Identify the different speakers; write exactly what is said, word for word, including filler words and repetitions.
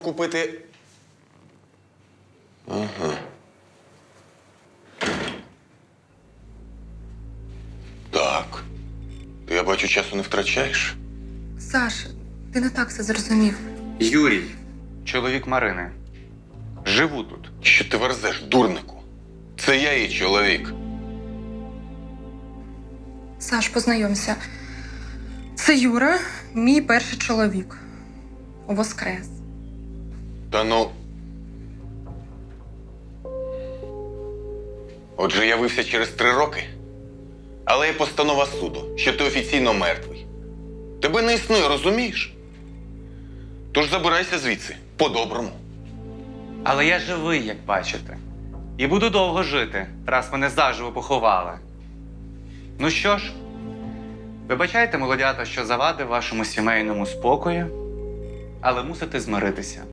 Speaker 1: купити.
Speaker 2: Ага. Так. Ти, я бачу, часу не втрачаєш.
Speaker 3: Саш, ти не так все зрозумів.
Speaker 4: Юрій, чоловік Марини. Живу тут.
Speaker 2: Що ти верзеш, дурнику? Це я її чоловік.
Speaker 3: Саш, познайомся. Це Юра, мій перший чоловік. Воскрес.
Speaker 2: Та ну. Отже, явився через три роки. Але є постанова суду, що ти офіційно мертвий. Тебе не існує, розумієш? Тож забирайся звідси, по-доброму.
Speaker 4: Але я живий, як бачите. І буду довго жити, раз мене заживо поховали. Ну що ж, вибачайте, молодята, що завадив вашому сімейному спокою, але мусите змиритися.